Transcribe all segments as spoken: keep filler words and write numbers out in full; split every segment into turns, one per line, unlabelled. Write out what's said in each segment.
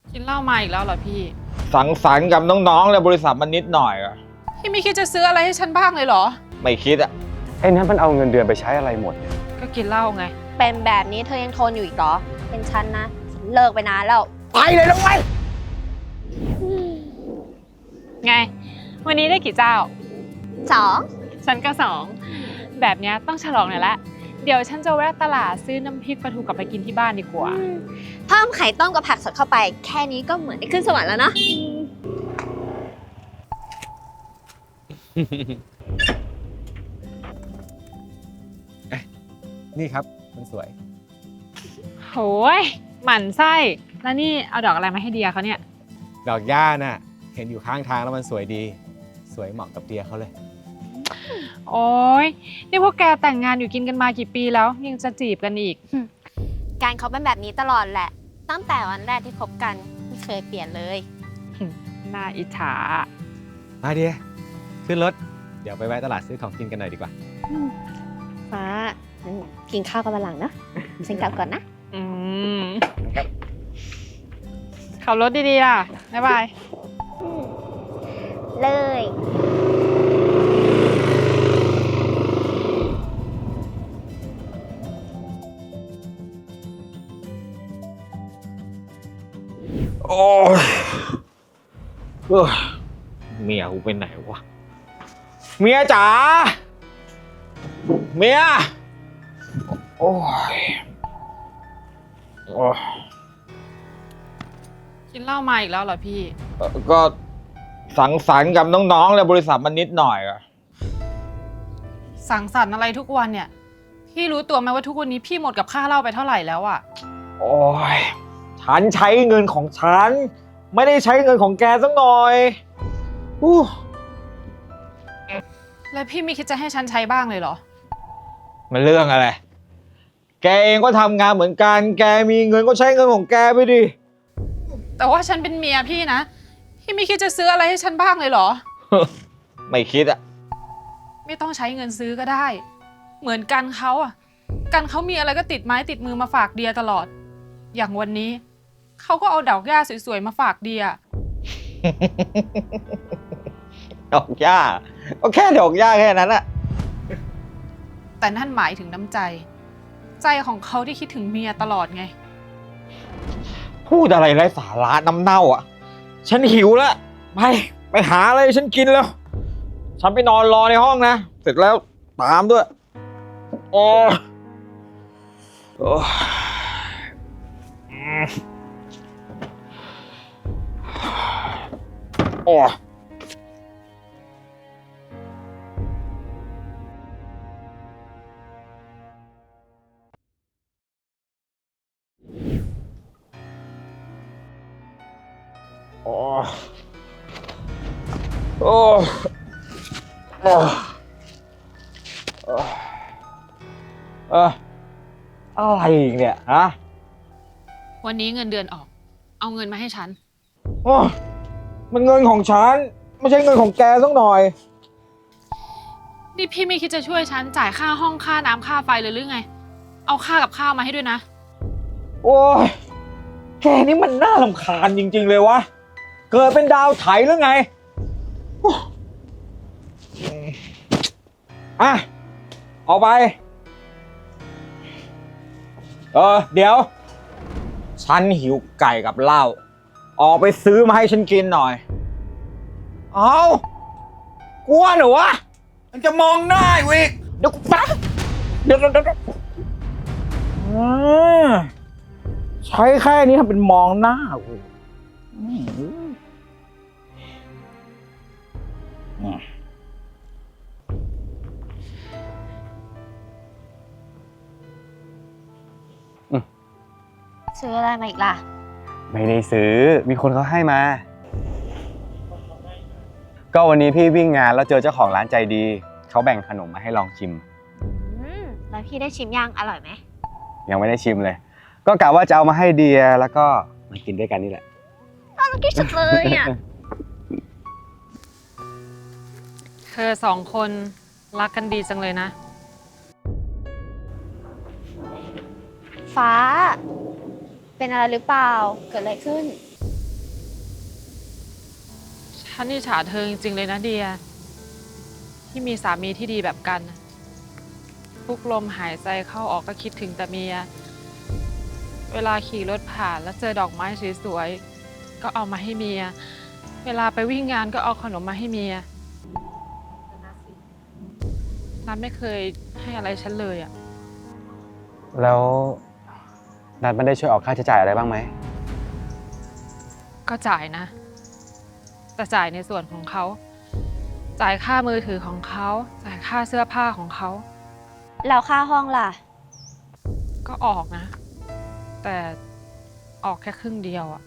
กินเหล้ามาอีกแล้วเหรอพี่
สังสรรค์กับน้องๆในบริษัทมันนิดหน่อยอะ
พี่ไม่คิดจะซื้ออะไรให้ฉันบ้างเลยเหรอ
ไม่คิดอะ
ไอ้นั้นมันเอาเงินเดือนไปใช้อะไรหมดเนี่ย
ก็กินเหล้าไง
เป็นแบบนี้เธอยังทนอยู่อีกเหรอเป็นฉันนะฉันเลิกไปนานแล้ว
ไปเลยน้องไว้
ไงวันนี้ได้กี่เจ้า
สอง
ฉันก็สองแบบนี้ต้องฉลองหน่อยละเดี๋ยวฉันจะแวะตลาดซื้อน้ำพริกปลาทูกลับไปกินที่บ้านดีกว่า
เพิ่มไข่ต้มกับผักสดเข้าไปแค่นี้ก็เหมือนได้ขึ้นสวรรค์แล้วเนาะ
นี่ครับมันสวย
โหยหมั่นไส้แล้วนี่เอาดอกอะไรมาให้เดียเขาเนี่ย
ดอกหญ้าน่ะเห็นอยู่ข้างทางแล้วมันสวยดีสวยเหมาะกับเดียเขาเลย
โอ้ยนี่พวกแกแต่งงานอยู่กินกันมากี่ปีแล้วยังจะจีบกันอีก
การเขาเป็นแบบนี้ตลอดแหละตั้งแต่วันแรกที่คบกันไม่เคยเปลี่ยนเลย
น่าอิจฉา
มาเดียขึ้นรถเดี๋ยวไปแวะตลาดซื้อของกินกันหน่อยดีกว่า
ฟ้ากินข้าวกันมาหลังนะฉันกลับก่อนนะ
อืมขับรถดีๆล่ะบ๊ายบาย
เลย
โอ้ยเออเมียกูไปไหนวะเมียจ๋าเมียโอ้ยโอ้ย
กินเหล้ามาอีกแล้วเหรอพี่
ก็สังสรรค์กับน้องๆในบริษัทมันนิดหน่อยอะ
สังสรรค์อะไรทุกวันเนี่ยพี่รู้ตัวไหมว่าทุกวันนี้พี่หมดกับค่าเหล้าไปเท่าไหร่แล้วอะ
โอ้ยฉันใช้เงินของฉันไม่ได้ใช้เงินของแกสักหน่อยอู้
แล้วพี่ไม่คิดจะให้ฉันใช้บ้างเลยเหรอ
มันเรื่องอะไรแกเองก็ทำงานเหมือนกันแกมีเงินก็ใช้เงินของแกไปดิ
แต่ว่าฉันเป็นเมียพี่นะพี่ไม่คิดจะซื้ออะไรให้ฉันบ้างเลยเหรอ
ไม่คิดอะ
ไม่ต้องใช้เงินซื้อก็ได้เหมือนกันเขาอะกันเขามีอะไรก็ติดไม้ติดมือมาฝากเดียตลอดอย่างวันนี้เขาก็เอาดอกหญ้าสวยๆมาฝากเดีย
ดอกหญ้าก็แค่ดอกหญ้าแค่นั้นอะ
แต่นั่นหมายถึงน้ำใจใจของเขาที่คิดถึงเมียตลอดไง
พูดอะไรไร้สาระน้ำเน่าอ่ะฉันหิวแล้วไปไปหาอะไรฉันกินแล้วฉันไปนอนรอในห้องนะเสร็จแล้วตามด้วยโอ้โอ้โอ้โอ้โอ้โอ้เอออะไรอีกเนี่ยฮะ
วันนี้เงินเดือนออกเอาเงินมาให้ฉัน
โอ้มันเงินของฉันไม่ใช่เงินของแกสักหน่อย
นี่พี่ไม่คิดจะช่วยฉันจ่ายค่าห้องค่าน้ำค่าไฟเลยหรือไงเอาค่ากับข้าวมาให้ด้วยนะ
โอ้ยแกนี่มันน่ารำคาญจริงๆเลยวะเกิดเป็นดาวไถหรือไงอ่ะเอาไปเออเดี๋ยวฉันหิวไก่กับเหล้าออกไปซื้อมาให้ฉันกินหน่อยเอากลัวเหรอวะมันจะมองหน้าอยู่อีกเดี๋ยวกูแป๊บเดี๋ยวเดี๋ยวเดี๋ยวใช้แค่นี้ทำเป็นมองหน้ากู
ซื้ออะไรมาอีกล่ะ
ไม่ได้ซื้อมีคนเขาให้มาก็วันนี้พี่วิ่งงานแล้วเจอเจ้าของร้านใจดีเขาแบ่งขนมมาให้ลองชิม
อืมแล้วพี่ได้ชิมยังอร่อยไหม
ยังไม่ได้ชิมเลยก็กะว่าจะเอามาให้เดียแล้วก็มากินด้วยกันนี่แหละ
น่ารักที่สุดเลยอ่ะ
เธอสองคนรักกันดีจังเลยนะ
ฟ้าเป็นอะไรหรือเปล่าเกิดอะไรขึ้น
ฉันอิจฉาเธอจริงๆเลยนะเดีย ที่มีสามีที่ดีแบบกัน ทุกลมหายใจเข้าออกก็คิดถึงแต่เมีย เวลาขี่รถผ่านแล้วเจอดอกไม้สวยๆก็เอามาให้เมีย เวลาไปวิ่งงานก็เอาขนมมาให้เมียนัทไม่เคยให้อะไรฉันเลยอ่ะ
แล้วนัดมันได้ช่วยออกค่าใช้จ่ายอะไรบ้างไหม
ก็จ่ายนะ แต่จ่ายในส่วนของเขา จ่ายค่ามือถือของเขา จ่ายค่าเสื้อผ้าของเขา
แล้วค่าห้องล่ะ
ก็ออกนะ แต่ออกแค่ครึ่งเดียวอ่ะ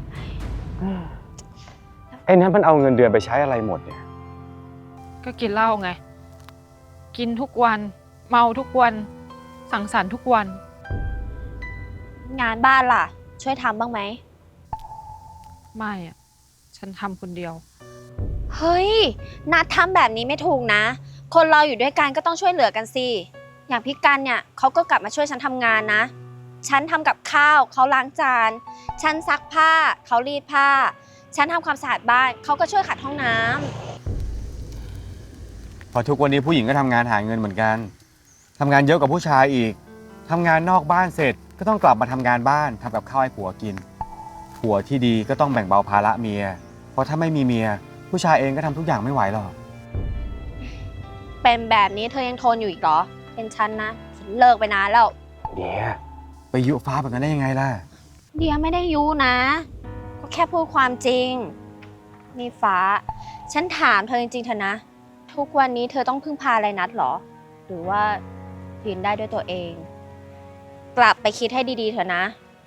ไอ้นัดมันเอาเงินเดือนไปใช้อะไรหมดเนี่ย
ก็กินเหล้าไง กินทุกวัน เมาทุกวัน สังสรรค์ทุกวัน
งานบ้านล่ะ ช่วยทำบ้างไหม
ไม่อ่ะ ฉันทำคนเดียว
เฮ้ยนัดทำแบบนี้ไม่ถูกนะ คนเราอยู่ด้วยกันก็ต้องช่วยเหลือกันสิ อย่างพี่กันเนี่ยเขาก็กลับมาช่วยฉันทำงานนะ ฉันทำกับข้าวเขาล้างจาน ฉันซักผ้าเขารีดผ้า ฉันทำความสะอาดบ้านเขาก็ช่วยขัดห้องน้ำ
พอทุกวันนี้ผู้หญิงก็ทำงานหาเงินเหมือนกัน ทำงานเยอะกว่าผู้ชายอีก ทำงานนอกบ้านเสร็จก็ต้องกลับมาทำงานบ้านทำกับข้าวให้ผัวกิน ผัวที่ดีก็ต้องแบ่งเบาภาระเมีย เพราะถ้าไม่มีเมีย ผู้ชายเองก็ทำทุกอย่างไม่ไหวหรอก
เป็นแบบนี้เธอยังทนอยู่อีกเหรอ เป็นฉันนะฉันเลิกไปนานแล้ว
เดี๋ยวไปยุฟ้าแบบนั้นได้ยังไงล่ะ
เดียไม่ได้ยุนะ ก็แค่พูดความจริง นี่ฟ้า ฉันถามเธอจริงๆเถอะนะ ทุกวันนี้เธอต้องพึ่งพาอะไรนัดเหรอ หรือว่ายืนได้ด้วยตัวเอง กลับไปคิดให้ดีๆเถอะนะ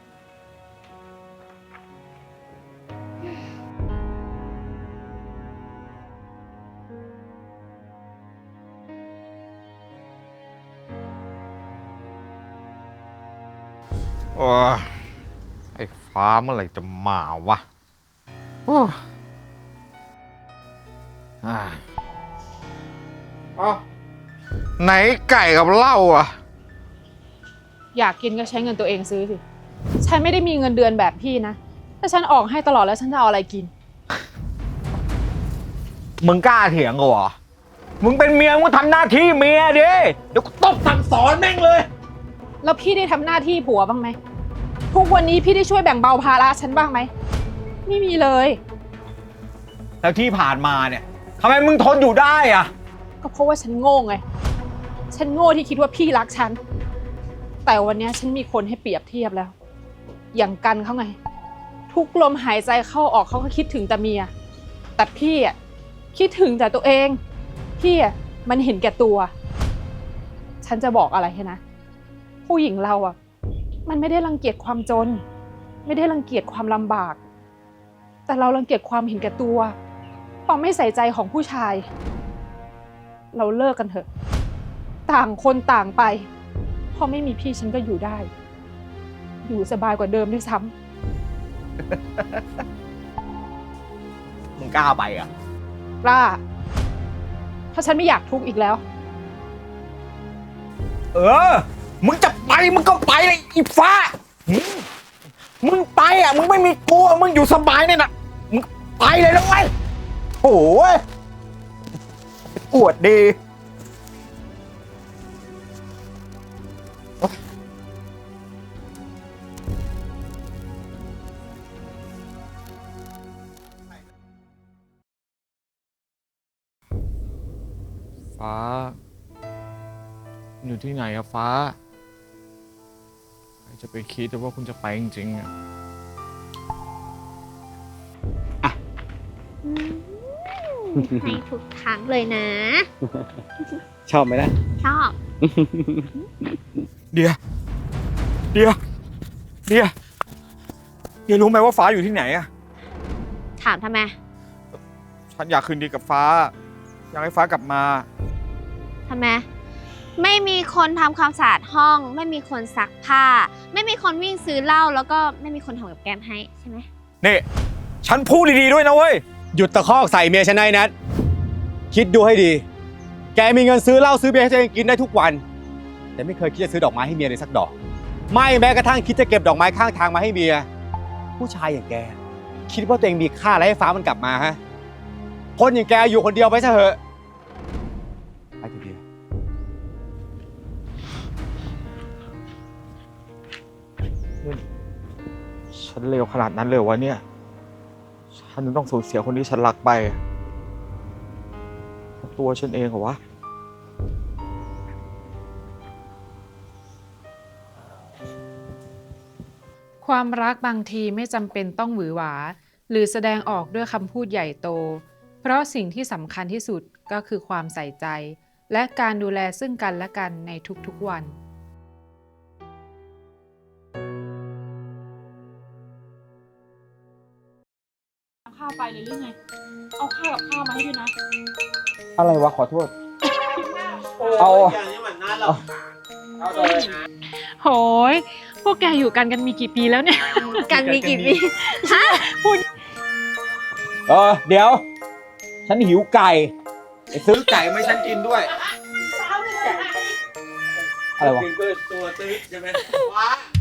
โอ้ยไอ้ฟ้าเมื่อไหร่จะมาวะโอ้ยอ่าเอ้าไหนไก่กับเหล้าอ่ะ
อยากกินก็ใช้เงินตัวเองซื้อสิ ฉันไม่ได้มีเงินเดือนแบบพี่นะ ถ้าฉันออกให้ตลอดแล้วฉันจะเอาอะไรกิน
มึงกล้าเถียงกูเหรอ มึงเป็นเมียมึงก็ทำหน้าที่เมียดิ เดี๋ยวกูตบสั่งสอนแม่งเลย
แล้วพี่ได้ทำหน้าที่ผัวบ้างไหม ทุกวันนี้พี่ได้ช่วยแบ่งเบาภาระฉันบ้างไหม ไม่มีเลย
แล้วที่ผ่านมาเนี่ยทำไมมึงทนอยู่ได้อ่ะ
ก็เพราะว่าฉันโง่ไง ฉันโง่ที่คิดว่าพี่รักฉัน แต่วันนี้ฉันมีคนให้เปรียบเทียบแล้ว อย่างกันเขาไง ทุกลมหายใจเข้าออกเขาก็คิดถึงแต่เมีย แต่พี่อ่ะคิดถึงแต่ตัวเอง พี่อ่ะมันเห็นแก่ตัว ฉันจะบอกอะไรให้นะ ผู้หญิงเราอ่ะ มันไม่ได้รังเกียจความจน ไม่ได้รังเกียจความลำบาก แต่เรารังเกียจความเห็นแก่ตัว ความไม่ใส่ใจของผู้ชาย เราเลิกกันเถอะ ต่างคนต่างไปพอไม่มีพี่ฉันก็อยู่ได้ อยู่สบายกว่าเดิมด้วยซ้
มึงกล้าไปอ่ะ
ำกล้าเพราะฉันไม่อยากทุกข์อีกแล้ว
เออ มึงจะไปมึงก็ไปเลยอีฟ้าหืมมึงไปอ่ะ มึงไม่มีกลัว มึงอยู่สบายเนี่ยนะมึงไปเลยนะเว้ยโอ้ยอวดดี
ฟ้า อยู่ที่ไหนอะฟ้าใครจะไปคิดว่าคุณจะไปจริงๆอะ
ให้ทุกครั้งเลยนะ
ชอบไหมล่ะ
ชอบ
เดียเดียเดียเดียรู้ไหมว่าฟ้าอยู่ที่ไหนอะ
ถามทำไม
ฉันอยากคืนดีกับฟ้า อยากให้ฟ้ากลับมา
ทำไม ไม่มีคนทำความสะอาดห้อง ไม่มีคนซักผ้า ไม่มีคนวิ่งซื้อเหล้าแล้วก็ไม่มีคนทำกับแกล้มให้ใช่ไหม
นี่ ฉันพูดดีๆด้วยนะเว้ย
หยุดตะคอกใส่เมียฉันได้นัดคิดดูให้ดี แกมีเงินซื้อเหล้าซื้อเบียร์ให้ตัวเองกินได้ทุกวัน แต่ไม่เคยคิดจะซื้อดอกไม้ให้เมียเลยสักดอก ไม่แม้กระทั่งคิดจะเก็บดอกไม้ข้างทางมาให้เมีย ผู้ชายอย่างแก คิดว่าตัวเองมีค่าอะไรให้ฟ้ามันกลับมาฮะคนอย่างแกอยู่คนเดียวไปซะเถอะไปเถอะเบียร์
ฉันเลวขนาดนั้นเลยวะเนี่ย ฉันต้องสูญเสียคนที่ฉันรักไป ตัวฉันเองเหรอวะ
ความรักบางทีไม่จำเป็นต้องหวือหวา หรือแสดงออกด้วยคำพูดใหญ่โต เพราะสิ่งที่สำคัญที่สุดก็คือความใส่ใจ และการดูแลซึ่งกันและกันในทุกๆวัน ข้าวไปเลยหรือไง เอาข้าวกับข้าวมาให้ด้วยนะ
อะไรวะ ขอโทษ เอาเอาเลย
โหย พวกแกอยู่กันกันมีกี่ปีแล้วเนี่ย
กันมีกี่ปี
เออ เดี๋ยว ฉันหิวไก่ไปซื้อไก่มาให้ฉันกินด้วย อะไรวะ
ตัวตื้อใช่ไหมว้า